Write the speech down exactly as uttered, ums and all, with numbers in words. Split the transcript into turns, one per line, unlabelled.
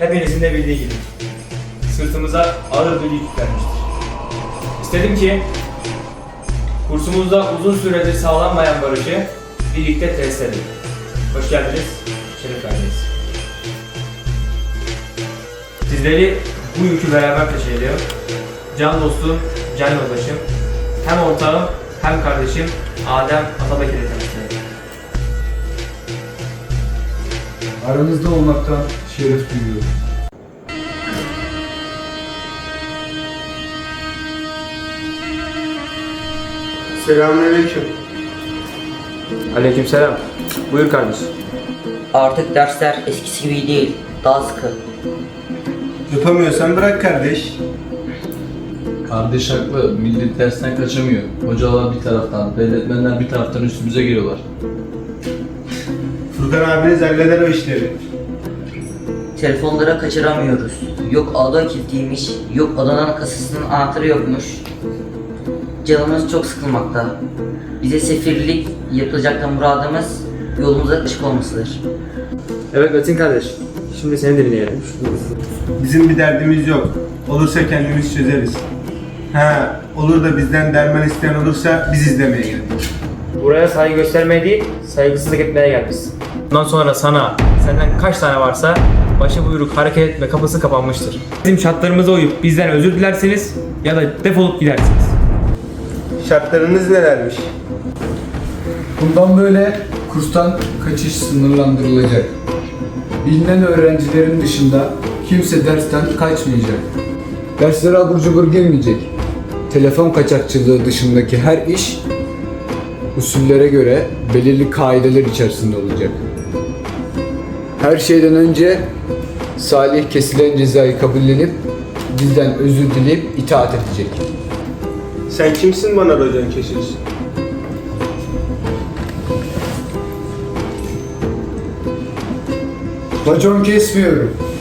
hepinizin de bildiği gibi sırtımıza ağır bir yük yüklenmiştir. İstedim ki kursumuzda uzun süredir sağlanmayan barışı birlikte tesis edelim. Hoş geldiniz, şeref verdiniz. Sizleri bu yükü beraber taşıyacağım. Can dostum, can yoldaşım, hem ortağım hem kardeşim Adem Atabekir'i tanıştırıyorum.
Aranızda olmaktan şeref duyuyorum.
Selamünaleyküm.
Aleykümselam. Buyur kardeşim.
Artık dersler eskisi gibi değil, daha sıkı.
Yapamıyorsan bırak kardeş.
Kardeş haklı, millet dersten kaçamıyor. Hocalar bir taraftan, devletmenler bir taraftan üstümüze geliyorlar.
Furkan abiniz halleder o işleri.
Telefonlara kaçıramıyoruz. Yok ada kilitliymiş, yok adanın kasasının anahtarı yokmuş. Canımız çok sıkılmakta. Bize sefirlik yapılacaktan muradımız yolumuza açık olmasıdır.
Evet Metin kardeş, şimdi seni dinleyelim.
Bizim bir derdimiz yok. Olursa kendimiz çözeriz. Ha, olur da bizden derman isteyen olursa biz izlemeye geldik.
Buraya saygı göstermeye değil, saygısızlık etmeye gelmişsin. Bundan sonra sana, senden kaç tane varsa başı buyruk hareket etme kapısı kapanmıştır. Bizim şartlarımıza uyup bizden özür dilersiniz ya da defolup gidersiniz.
Şartlarınız nelermiş?
Bundan böyle kurstan kaçış sınırlandırılacak. Bilinen öğrencilerin dışında kimse dersten kaçmayacak. Derslere abur cubur girmeyecek. Telefon kaçakçılığı dışındaki her iş usullere göre belirli kaideler içerisinde olacak. Her şeyden önce salih kesilen cezayı kabullenip bizden özür dileyip itaat edecek.
Sen kimsin bana racon kesiyorsun?
Racon kesmiyorum.